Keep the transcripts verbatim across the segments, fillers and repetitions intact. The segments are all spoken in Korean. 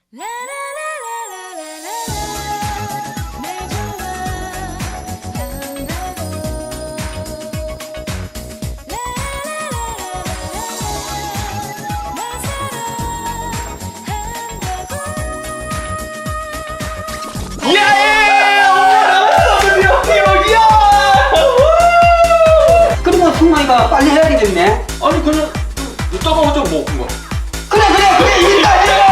그러면 승만이가 빨리 해야 되겠네. 아니 그냥 이따가 하자 뭐 그거. 그래 그래 그래 이따 이따.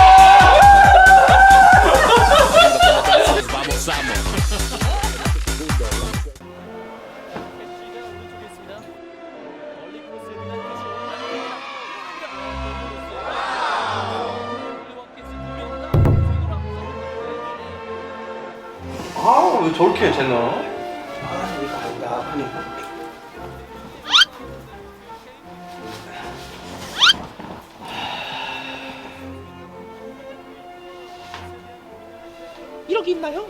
아 왜 저렇게 해 쟤는? 아 이거 아니다. 아니. 이렇게 있나요?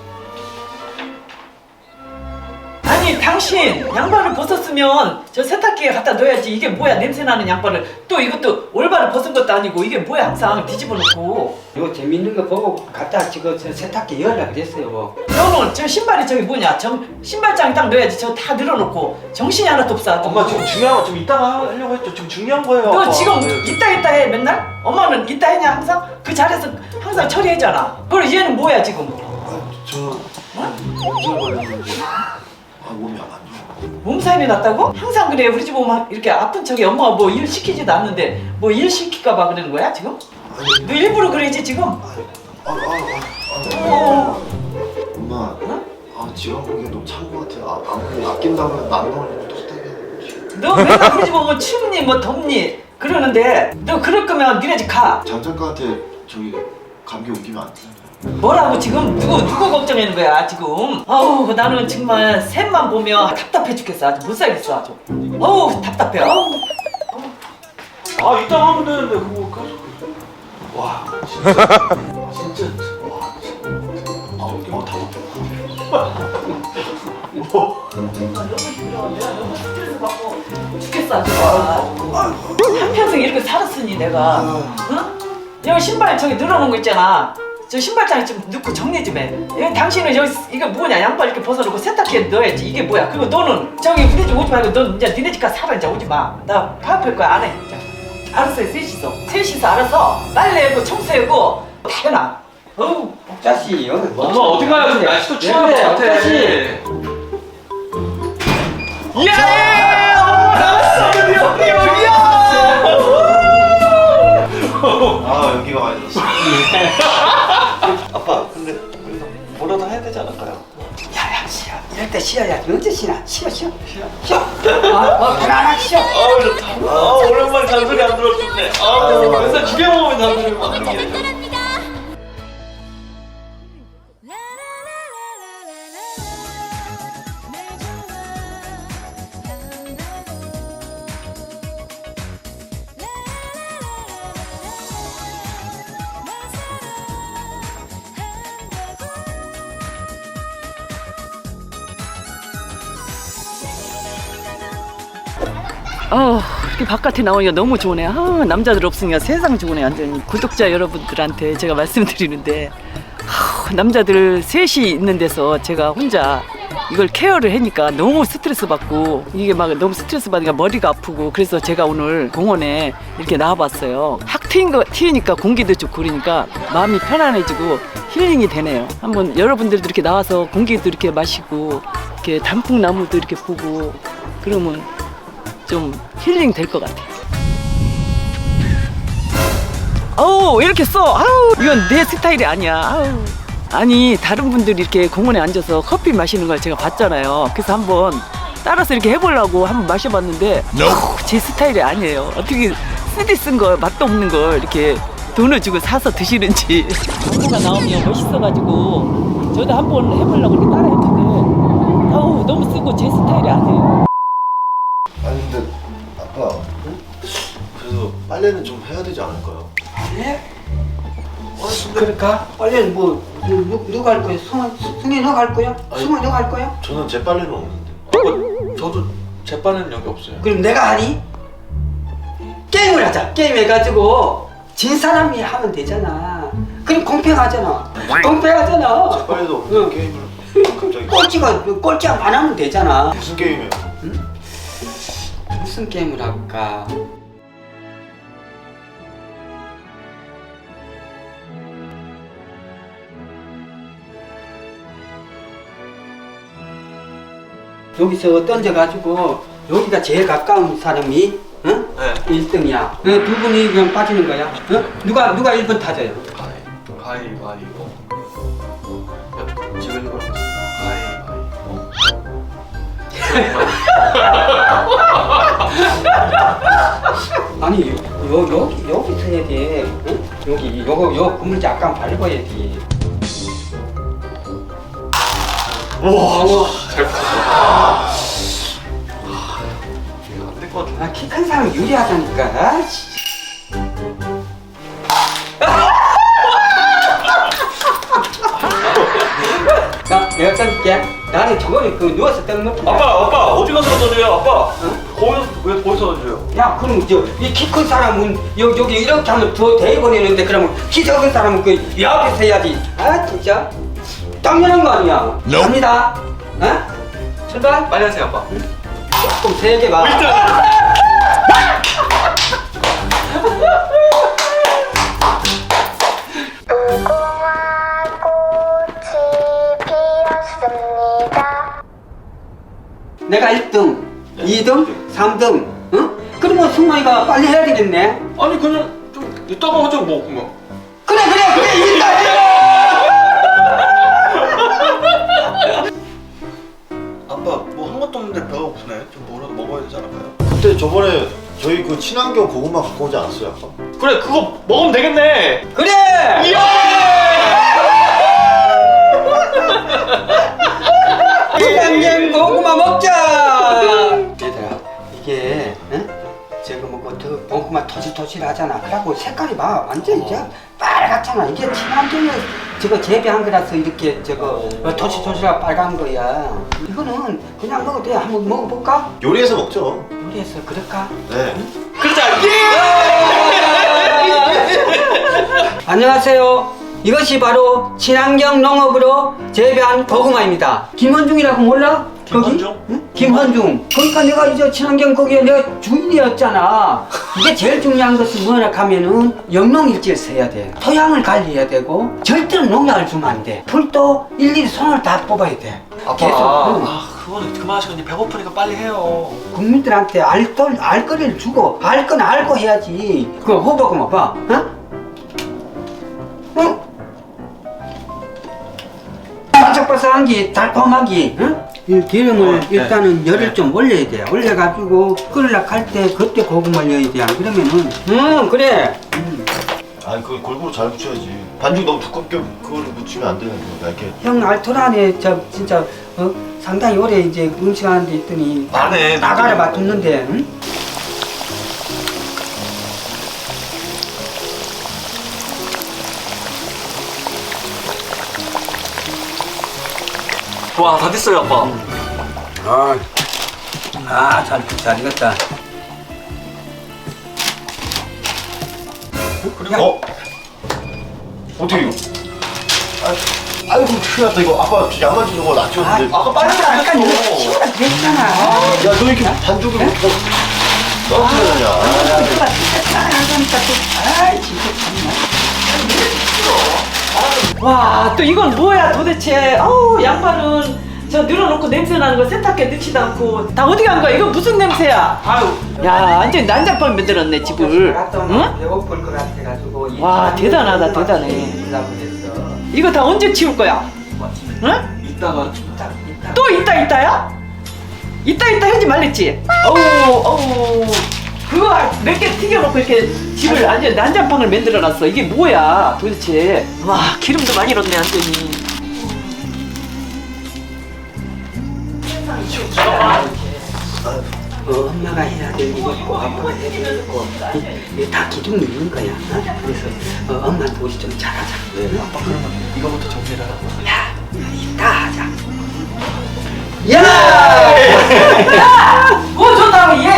아니 당신 양말을 벗었으면 저 세탁기에 갖다 넣어야지. 이게 뭐야, 냄새나는 양말을. 또 이것도 올바로 벗은 것도 아니고 이게 뭐야, 항상 뒤집어 놓고. 이거 재밌는 거 보고 갖다 지금 저 세탁기 열라 그랬어요. 뭐. 너는 저 신발이 저기 뭐냐, 정, 신발장에 딱 넣어야지. 저 다 늘어놓고 정신이 하나도 없어. 엄마 지금 중요한 거 좀 이따가 하려고 했죠. 지금 중요한 거예요. 너 아빠. 지금 네. 이따 이따 해 맨날? 엄마는 이따 했냐 항상? 그 자리에서 항상 처리하잖아. 그리고 얘는 뭐야 지금? 저 염증 걸렸는데 아 몸이 안 좋아. 몸살이 났다고? 항상 그래. 우리 집 오면 이렇게 아픈 척에 엄마가 뭐 일 시키지도 않는데 뭐 일 시킬까 봐 그러는 거야 지금? 아니 너 일부러 그러지 지금? 아아아 아, 어. 엄마 응? 아 지금 보기엔 너무 찬 거 같아. 아 아무리 아낀다면 안 나오려고 tos대게. 너 맨날 우리 집 오면 춥니 뭐 덥니 그러는데 너 그럴 거면 니네 집 가. 장작가한테 저기 감기 옮기면 안 되잖아요. 뭐라고 지금 누구 누구 걱정하는 거야 지금? 아우 나는 정말 샘만 보면 답답해 죽겠어. 아주 못 살겠어 아주. 어우 답답해. 어우. 아 이따가 하면 되는데 그거 계속. 와 진짜 진짜 와 진짜. 아다 뭐. 너무 힘들어. 내가 너무 스트레스 받고 죽겠어 아주. 한평생 이렇게 살았으니 내가. 응? 여기 신발 저기 늘어놓은 거 있잖아. 저 신발장에 좀 넣고 정리 좀 해. 여기 당신은 여기 이거 뭐냐, 양말 이렇게 벗어놓고 세탁기에 넣어야지. 이게 뭐야? 그리고 너는 저기 우리 집 오지 말고 넌 이제 니네 집 가서 살아. 이제 오지 마. 나 파업할 거야. 안 해. 자, 알았어요. 셋이서 셋이서 알아서 빨래하고 청소하고 다 해놔. 어우. 자식 여기 뭐? 엄마 어디 가요? 지금 날씨도 추운 것 네, 같아. 자식. 예! 엄마 나왔어! 드디어 여기야! 아 여기가 아니지. 아빠 근데 우리가 뭐라도 해야 되지 않을까요? 야야 쉬어. 이럴 때 쉬어야 언제 쉬나? 쉬어 쉬어 쉬어. 어, 어 편안하게 쉬어. 아우 좋다. 아 오랜만에 잔소리 안 들었는데. 아우 맨날 집에 오면 잔소리만 들게. 어, 이렇게 바깥에 나오니까 너무 좋으네. 아, 남자들 없으니까 세상 좋으네. 완전히 구독자 여러분들한테 제가 말씀드리는데 아, 남자들 셋이 있는 데서 제가 혼자 이걸 케어를 하니까 너무 스트레스 받고 이게 막 너무 스트레스 받으니까 머리가 아프고 그래서 제가 오늘 공원에 이렇게 나와봤어요. 확 트인 거, 튀니까 공기도 좋고 그러니까 마음이 편안해지고 힐링이 되네요. 한번 여러분들도 이렇게 나와서 공기도 이렇게 마시고 이렇게 단풍나무도 이렇게 보고 그러면 좀 힐링 될 것 같아요. 아우 이렇게 써. 아우 이건 내 스타일이 아니야. 아우. 아니 다른 분들이 이렇게 공원에 앉아서 커피 마시는 걸 제가 봤잖아요. 그래서 한번 따라서 이렇게 해보려고 한번 마셔봤는데 아우, 제 스타일이 아니에요. 어떻게 쓰디 쓴 걸 맛도 없는 걸 이렇게 돈을 주고 사서 드시는지. 광고가 나오면 멋있어가지고 저도 한번 해보려고 이렇게 따라했는데 아우 너무 쓰고 제 스타일이 아니에요. 아니 근데 아빠 그래서 빨래는 좀 해야 되지 않을까요? 네? 그럴까? 빨래는 뭐 누, 누가 할 거야? 승환, 승희 너가 할 거야? 아니. 승환 너가 할 거야? 저는 제 빨래는 없는데. 아빠 저도 제 빨래는 여기 없어요. 그럼 내가 하니? 게임을 하자. 게임 해가지고 진 사람이 하면 되잖아. 그럼 공평하잖아. 공평하잖아. 빨리도 응. 게임을 갑자기 꼴찌가 꼴찌 안 하면 되잖아. 무슨 게임이야? 무슨 게임을 할까? 여기서 던져가지고 여기가 제일 가까운 사람이 응? 네. 일 등이야. 두 분이 그냥 빠지는 거야. 응? 누가 누가 일 번 타져요? 가위 가위바위보. 야, 제가 이거 가위바위보. 아니 요, 요 여기 여기 서야 돼. 응? 여기 요거 요 그물지 약간 밟아야지. 와, 잘 봤어. 안될 것 같아. 아, 키 큰 사람 유리하다니까. 아, 씨. 나 내가 던질게. 나는 저거를 그 누워서 던는 거. 아빠, 아빠 어디 가서 던져요, 아빠? 거기서 왜 거기서 던져요? 야, 그럼 저 이 키 큰 사람은 여기 여기 이렇게 하면 더 대버리는데 그러면 키 작은 사람은 그 옆에서 해야지. 아, 진짜 당연한 거 아니야. 갑니다. 어? 출발. 빨리 하세요, 아빠. 조금 세게 봐. 무궁화 꽃이 피었습니다. 내가 일 등, 이 등, 삼 등. 응? 그러면 승만이가 빨리 해야 되겠네. 아니 그냥 좀 이따가 하죠, 뭐 그냥. 그래 그래 그래 이따 해. 아빠 뭐 한 것도 없는데 배가 고프네. 좀 뭐라도 먹어야 되지 않을까요? 그때 저번에 저희 그 친환경 고구마 갖고 오지 않았어요, 아까? 그래, 그거 먹으면 되겠네. 그래. 친환경 고구마 먹자. 얘들아 이게 응? 제가 뭐그 더 고구마 토실토실하잖아. 그래갖고 색깔이 봐 완전 이제 빨갛잖아. 이게 친환경에 저거 재배한 거라서 이렇게 저거 어, 토실토실하고 빨간 거야. 이거는 그냥 먹어도 돼. 한번 먹어볼까? 요리해서 먹죠. 요리해서 그럴까? 네. 그러자. 안녕하세요. 이것이 바로 친환경 농업으로 재배한 고구마입니다. 김헌중이라고 몰라? 김헌중? 거기? 응? 김헌중. 그러니까 내가 이제 친환경 거기에 내가 주인이었잖아. 이게 제일 중요한 것은 뭐냐 하면은 영농일지를 써야 돼. 토양을 관리해야 되고 절대로 농약을 주면 안 돼. 풀도 일일이 손을 다 뽑아야 돼. 아빠, 계속. 응. 아 그거는 그만하시고 이제 배고프니까 빨리 해요. 국민들한테 알, 알거리를 주고 알 건 알고 해야지. 그거 호박고마 봐. 어? 응? 바삭바삭한기 달콤하기. 응? 이 기름을 어, 네. 일단은 열을 네. 좀 올려야 돼. 올려가지고 끓으려고 할 때 그때 고구마를 넣어야 돼. 안 그러면은 응 그래. 음. 아니 그 골고루 잘 붙여야지. 반죽 너무 두껍게 그걸 묻히면 안 되는 거야. 이렇게. 형 알토란에 저 진짜 어? 상당히 오래 이제 음식하는 데 있더니 안 해, 나가를 나도. 맡았는데 응? 와, 다 됐어요, 아빠. 아, 아, 잘, 잘 익었다. 어? 어떻게 이거? 아, 아이고 큰일 났다 이거. 아빠 양만 주는 거 놔줬는데. 아까 빨리 아까 안 이거 했어. 치우라 그랬잖아. 야, 너 이렇게 반죽을 못 떨어뜨리냐? 누가 진짜 잘하니까 또, 아이, 진짜 참나. 와, 또 이건 뭐야 도대체? 어우, 양파는 저 늘어놓고 냄새 나는 거 세탁기에 넣지도 않고 다 어디 간 거야? 이거 무슨 냄새야? 아유, 야, 완전 난장판 만들었네 집을. 응? 배고플 것 같아가지고. 와, 대단하다, 대단해. 그랬어. 이거 다 언제 치울 거야? 응? 이따가 이따, 이따. 또 이따 이따야? 이따 이따 하지 말랬지? 어우, 어우. 그거 몇 개 튀겨놓고 이렇게 집을 완전 난장판을 만들어놨어. 이게 뭐야 도대체? 와, 기름도 많이 넣네 완전히. 어, 엄마가 해야 될 일이 있고 아빠가 해야 될 일이 있고 이게 다 기둥이 있는 거야. 어? 그래서 어, 엄마 도시 좀 잘하자. 네, 아빠 그러면 이거부터 정리를 하고. 야, 이따 하자. 야! 야! 뭐 좋다고 얘